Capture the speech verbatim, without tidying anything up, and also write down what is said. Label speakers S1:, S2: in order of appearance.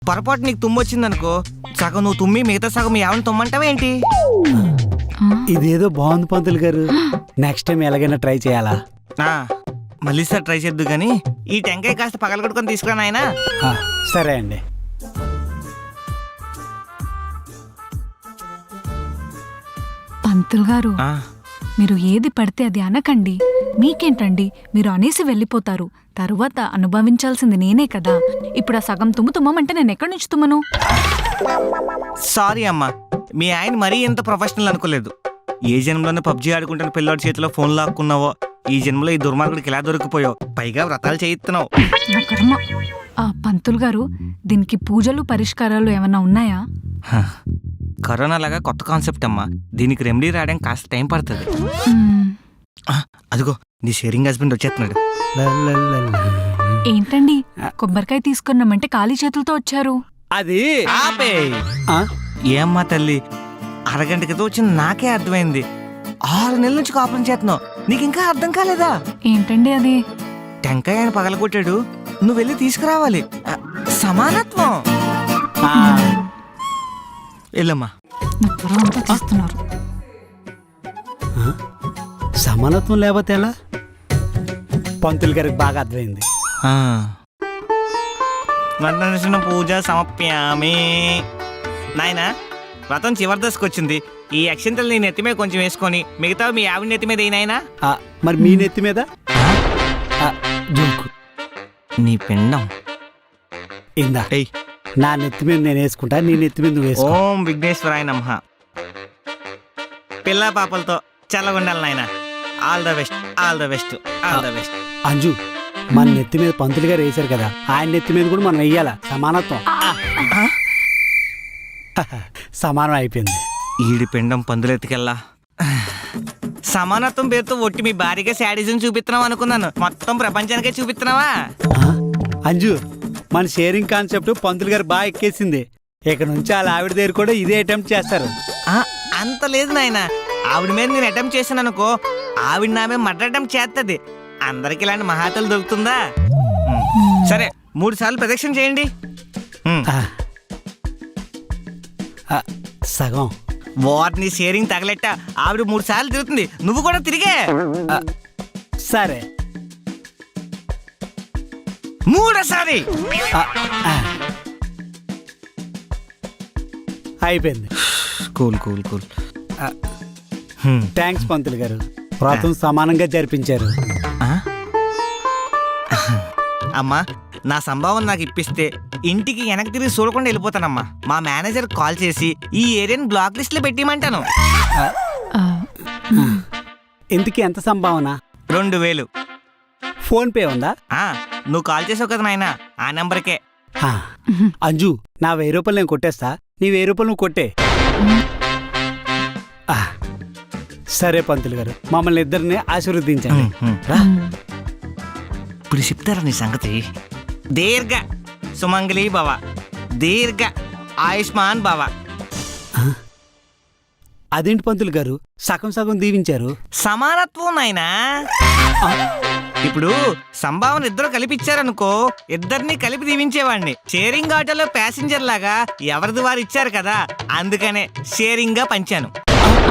S1: పొరపాటు నీకు తుమ్మొచ్చిందనుకో, సగం నువ్వు తుమ్మి మిగతా సగం మీ ఆవిడని తుమ్మంటావేంటి?
S2: ఇదేదో బాగుంది పంతులు గారు, నెక్స్ట్ టైం ఎలాగైనా ట్రై చేయాలా?
S1: మళ్ళీ సార్ ట్రై చేద్దు గానీ ఈ టెంకాయ కాస్త పగలగొట్టుకొని తీసుకురా నాయనా.
S2: సరే అండి.
S3: పంతులు గారు, మీరు ఏది పడితే అది అనకండి. మీకేంటండి, మీరు అనేసి వెళ్ళిపోతారు. తరువాత అనుభవించాల్సింది నేనే కదా. ఇప్పుడు ఆ సగం తుమ్ము తుమ్మంటే నేను ఎక్కడి నుంచి తుమ్మను?
S1: సారీ అమ్మా, మీ ఆయన మరీ ఎంత ప్రొఫెషనల్ అనుకోలేదు. ఏ జన్మలోనే పబ్జీ ఆడుకుంటున్న పిల్లోడి చేతిలో ఫోన్ లాక్కున్నావో, ఈ జన్మలో ఈ దుర్మార్గుడికి ఎలా దొరికిపోయావు, పైగా వ్రతాలు చేయిస్తున్నావు.
S3: నా కర్మ. ఆ పంతులు గారు, దీనికి పూజలు పరిష్కారాలు ఏమన్నా ఉన్నాయా?
S1: కరోనా లాగా కొత్త కాన్సెప్ట్ అమ్మా, దీనికి రెమెడీ రావడం కాస్త టైం పడుతుంది. అదిగో నీ షేరింగ్ హస్బెండ్ వచ్చేస్తున్నాడు.
S3: ఏంటండి, కొబ్బరికాయ తీసుకున్నామంటే ఖాళీ చేతులతో వచ్చారు?
S2: అది
S1: ఆపే. ఏమ్మా తల్లి, అరగంట క్రితం వచ్చిన నాకే అర్థమైంది. ఆరు నెలల నుంచి కాపురం చేస్తున్నావు, నీకు ఇంకా అర్థం కాలేదా?
S3: ఏంటండి అది?
S1: టెంకాయ ఆయన పగలగొట్టాడు, నువ్వు వెళ్ళి తీసుకురావాలి. సమానత్వం. వెళ్ళమ్మా.
S3: తీస్తున్నారు.
S2: సమానత్వం లేకపోతే ఎలా? పంతులు గారికి బాగా అర్థమైంది.
S1: వర్ణన పూజ సమప్యామి. నాయనా, వ్రతం చివరి దశకు వచ్చింది. ఈ అక్షంతలు నీ నెత్తి మీద కొంచెం వేసుకొని మిగతా మీ ఆవిడ నెత్తి మీద ఏనాయనా.
S2: మరి మీ నెత్తి మీద జోకు.
S1: నీ పిండం
S2: ఇందా నా నెత్తి మీద నేను వేసుకుంటా, నీ నెత్తి మీద నువ్వు వేసుకో.
S1: ఓం విఘ్నేశ్వరాయ నమః. పిల్ల పాపలతో చల్లగుండాలి నాయన. All the best, all the best, all the best.
S2: Anju, మన నెత్తి మీద పంతులు గారు వేశారు కదా, ఆయన నెత్తి మీద కూడా మనం వెయ్యాలా. సమానత్వం. సమానం అయిపోయింది.
S1: ఈడి పిండం పందులెత్తికెళ్ళా. సమానత్వం పేరుతో ఒట్టి మీ భార్యగా శాడిజం చూపిస్తున్నావు అనుకున్నాను, మొత్తం ప్రపంచానికే చూపిస్తున్నావా?
S2: అంజు, మన షేరింగ్ కాన్సెప్ట్ పంతులు గారు బాగా ఎక్కేసింది. ఇక నుంచి వాళ్ళ ఆవిడ దగ్గర కూడా ఇదే అటెంప్ట్ చేస్తారు.
S1: అంత లేదు నాయన, ఆవిడ మీద నేను అటెంప్ట్ చేశాను అనుకో, ఆవిడ నా మీద మర్డర్ అటెంప్ట్ చేస్తుంది. అందరికి ఇలాంటి మహాతలు దొరుకుతుందా? సరే, మూడు సార్లు ప్రదక్షిణ చేయండి.
S2: సగం
S1: వాటిని షేరింగ్ తగలెట్ట. ఆవిడ మూడు సార్లు తిరుగుతుంది, నువ్వు కూడా తిరిగే.
S2: సరే,
S1: మూడోసారి.
S2: అయిపోయింది.
S1: Cool cool cool.
S2: థ్యాంక్స్ పంతులు గారు, వ్రతం సమానంగా జరిపించారు.
S1: అమ్మా, నా సంభావన నాకు ఇప్పిస్తే ఇంటికి వెనక్కి తిరిగి చూడకుండా వెళ్ళిపోతానమ్మా. మా మేనేజర్ కాల్ చేసి ఈ ఏరియాని బ్లాక్ లిస్ట్ లో పెట్టిమంటాను.
S2: ఇంటికి ఎంత సంభావన?
S1: రెండు వేలు.
S2: ఫోన్ పే ఉందా?
S1: నువ్వు కాల్ చేసావు కదా నాయన, ఆ నెంబర్కే.
S2: అంజు, నా వెయ్యి రూపాయలు నేను కొట్టేస్తా, నీ వెయ్యి రూపాయలు నువ్వు కొట్టే. సరే పంతులు గారు, మమ్మల్ని ఇద్దరిని ఆశీర్వదించండి.
S1: ఇప్పుడు చెప్తారా నీ సంగతి? దీర్ఘ సుమంగళి భవ, దీర్ఘ ఆయుష్మాన్ భవ.
S2: అదేంటి పంతులు గారు, సగం సగం దీవించారు?
S1: సమానత్వం నాయనా. ఇప్పుడు సంభావన ఇద్దరు కలిపిచ్చారనుకో, ఇద్దరిని కలిపి దీవించేవాడిని. షేరింగ్ ఆటోలో ప్యాసింజర్ లాగా ఎవరిది వారు ఇచ్చారు కదా, అందుకనే షేరింగ్ గా పంచాను.